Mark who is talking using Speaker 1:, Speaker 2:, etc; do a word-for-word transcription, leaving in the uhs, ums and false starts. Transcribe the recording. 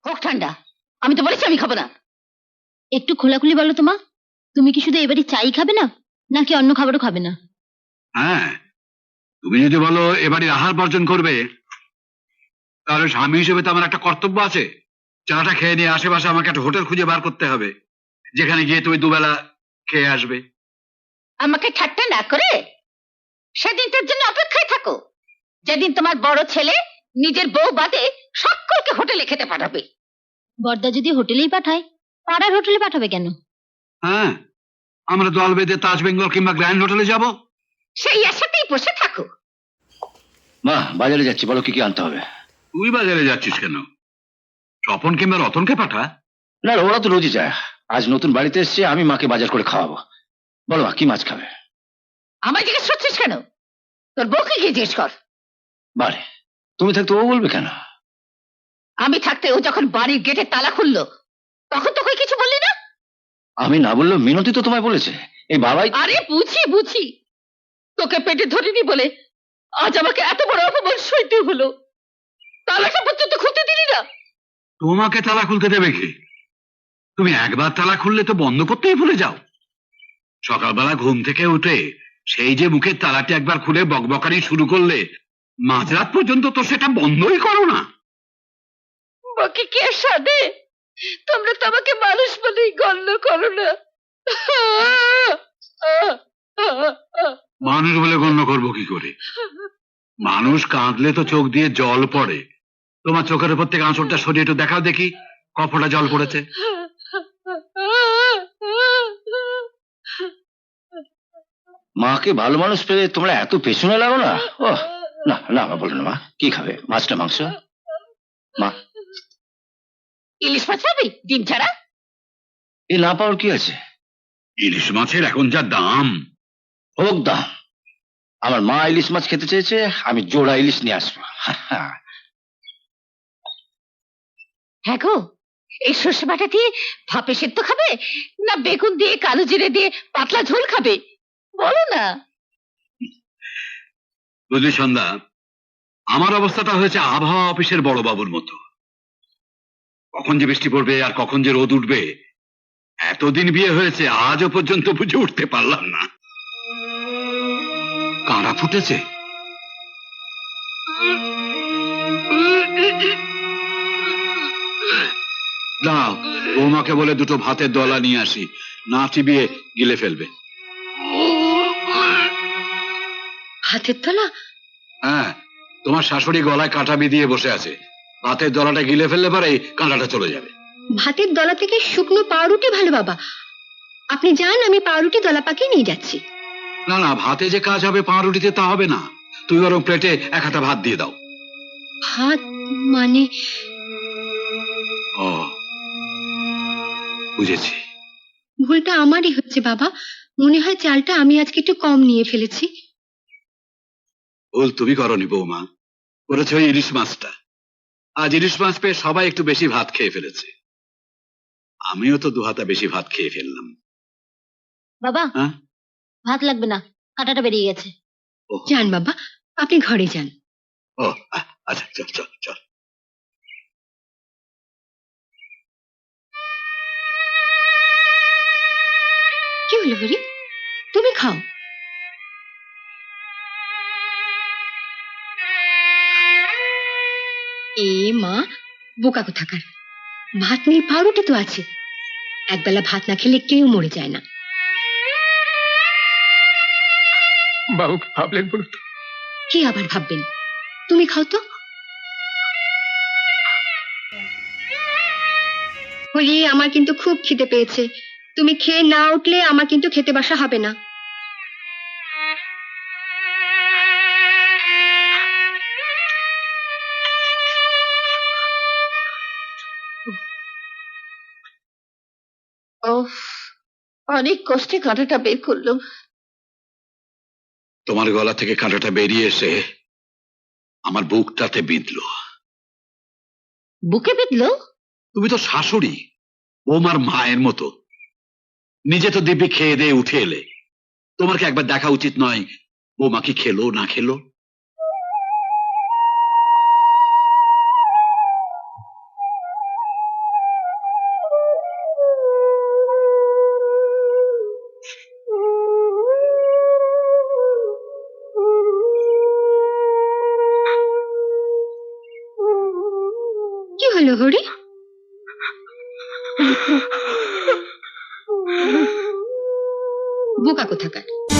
Speaker 1: হোক ঠান্ডা, আমি তো বলেছি আমি খাবো না। একটু খোলাখুলি বলো তো মা, তুমি কি শুধু এবারে চাই খাবে না নাকি অন্য খাবারও খাবে না?
Speaker 2: হ্যাঁ, তুমি যদি বলো এবারে আহার বর্জন করবে, তাহলে স্বামী হিসেবে তো আমার একটা কর্তব্য আছে। চাটা খেয়ে নিয়ে আশেপাশে আমাকে একটা হোটেল খুঁজে বার করতে হবে, যেখানে গিয়ে তুমি দুবেলা খেয়ে আসবে।
Speaker 1: আমাকে ঠাট্টা না করে সেদিন তোর জন্য অপেক্ষায় থাকো, যেদিন তোমার বড় ছেলে নিজের বউ বাদে সকলকে হোটেলে খেতে পাঠাবে। বড়দা যদি হোটেলেই পাঠায়, পাড়ার হোটেলে পাঠাবে কেন?
Speaker 2: হ্যাঁ, আমরা দল বেঁধে তাজ বেঙ্গল কিংবা গ্র্যান্ড হোটেলে যাব।
Speaker 1: সেই আশাতেই বসে থাকো।
Speaker 3: মা, বাজারে যাচ্ছি, বলো কি কি আনতে হবে।
Speaker 2: তুই বাজারে যাচ্ছিস কেন? স্বপন কিংবা রতনকে পাঠা।
Speaker 3: না, ওরা তো রোজই যায়। আজ নতুন বাড়িতে এসছে, আমি মাকে বাজার করে খাওয়াবো। বলো মা, কি মাছ খাবে?
Speaker 1: আমায় জিজ্ঞেস করছিস কেন? তোর বউকে গিয়ে জিজ্ঞেস কর।
Speaker 3: বারে, তুমি থাকতে ও বলবে কেন?
Speaker 1: আমি থাকতে ও যখন বাড়ির গেটে তালা খুললো, তখন তোকে কিছু বললি না?
Speaker 3: আমি না বললেও মিনতি তো তোমায় বলেছে। এই বাবাই।
Speaker 1: আরে বুঝি বুঝি, তোকে পেটে ধরিনি বলে আজ আমাকে এত বড় অপমান সইতে হলো। তালাটা পর্যন্ত খুলতে দিলি না।
Speaker 2: তোমাকে তালা খুলতে দেবে কে? তুমি একবার তালা খুললে তো বন্ধ করতেই ভুলে যাও। সকালবেলা ঘুম থেকে উঠে সেই যে মুখের তালাটি একবার খুলে বকবকানি শুরু করলে, মাঝরাত পর্যন্ত তো সেটা বন্ধই করো না।
Speaker 1: বাকি কে সাধে? তোমরা তো আমাকে মানুষ বলেই গণ্য করো না।
Speaker 2: মানুষ বলে গণ্য করবো কি করে? মানুষ কাঁদলে তো চোখ দিয়ে জল পড়ে। তোমার চোখের উপর থেকে আঁচড়টা সরিয়ে একটু দেখাও দেখি, কপটা জল পড়েছে।
Speaker 3: মাকে ভালো মানুষ পেলে তোমরা এত পেছনে লাগো না। ও না না, মা বলো না। মা কি খাবে, মাছটা মাংস? মা,
Speaker 1: ইলিশ মাছ খাবি ডিম ছাড়া?
Speaker 3: এ না পাওয়ার কি আছে?
Speaker 2: ইলিশ মাছের এখন যা দাম।
Speaker 3: হোক দাম, আমার মা ইলিশ মাছ খেতে চেয়েছে, আমি জোড়া ইলিশ নিয়ে আসবো।
Speaker 1: হ্যাঁ গো, এই সর্ষে বাটা দিয়ে ভাপে সেদ্ধ খাবে না বেগুন দিয়ে কালো জিরে দিয়ে পাতলা ঝোল খাবে? বলো না।
Speaker 2: বুঝলি সন্ধ্যা, আমার অবস্থাটা হয়েছে আবহাওয়া অফিসের বড় বাবুর মতো। কখন যে বৃষ্টি পড়বে আর কখন যে রোদ উঠবে, এতদিন বিয়ে হয়েছে আজও পর্যন্ত বুঝে উঠতে পারলাম না। কাঁড়া ফুটেছে। দাও, বৌমাকে বলে দুটো ভাতের দলা নিয়ে আসি, না চিবিয়ে গিলে ফেলবে।
Speaker 1: হাতের তলা?
Speaker 2: হ্যাঁ, তোমার শাশুড়ি গলায় কাঁটা বিধিয়ে বসে আছে। ভাতের দলাটা গিলে ফেললে পরে কাঁটাটা চলে যাবে।
Speaker 1: ভাতের দলা থেকে শুকনো পাউরুটি ভালো বাবা, আপনি যান, আমি পাউরুটি দলা পাকিয়ে নিয়ে যাচ্ছি।
Speaker 2: না না, ভাতে যে কাজ হবে পাউরুটিতে তা হবে না। তুই বরং প্লেটে এক হাতা ভাত দিয়ে দাও।
Speaker 1: ভাত মানে?
Speaker 2: ও, বুঝেছি।
Speaker 1: ভুলটা আমারই হচ্ছে বাবা, মনে হয় চালটা আমি আজকে একটু কম নিয়ে ফেলেছি।
Speaker 2: ভুল তুমি করনি বৌমা, করেছে ওই ইলিশ মাছটা। আজ ইলিশ মাছ পেয়ে সবাই একটু বেশি ভাত খেয়ে ফেলেছে, আমিও তো দু হাতা বেশি ভাত খেয়ে ফেললাম।
Speaker 1: বাবা,
Speaker 2: হ্যাঁ,
Speaker 1: ভাত লাগবে না, কাঁটাটা বেরিয়ে গেছে।
Speaker 2: ও
Speaker 1: যান বাবা, আপনি ঘরে যান।
Speaker 2: ও আচ্ছা, চল চল চল।
Speaker 1: কি হলো হরি, তুমি খাও। এ মা, বোকা কোথাকার, ভাত নেই পাউরুটি তো আছে। একবেলা ভাত না খেলে কেউ মরে যায় না।
Speaker 4: বাবুকে ভাবলেন বলুন তো?
Speaker 1: কি আবার ভাববেন, তুমি খাও তো। হরি, আমার কিন্তু খুব খিদে পেয়েছে, তুমি খেয়ে না উঠলে আমার কিন্তু খেতে বসা হবে না। ওহ, অনেক কষ্টে কাঁটাটা বের করলো।
Speaker 2: তোমার গলা থেকে কাঁটাটা বেরিয়ে এসে আমার বুকটাতে বিঁধলো।
Speaker 1: বুকে বিঁধলো?
Speaker 2: তুমি তো শাশুড়ি, বৌমার মায়ের মতো। নিজে তো দিব্যি খেয়ে দিয়ে উঠে এলে, তোমার কি একবার দেখা উচিত নয় বৌমা কি খেলো না খেলো?
Speaker 1: হলো হরি? বোকা কোথাকার।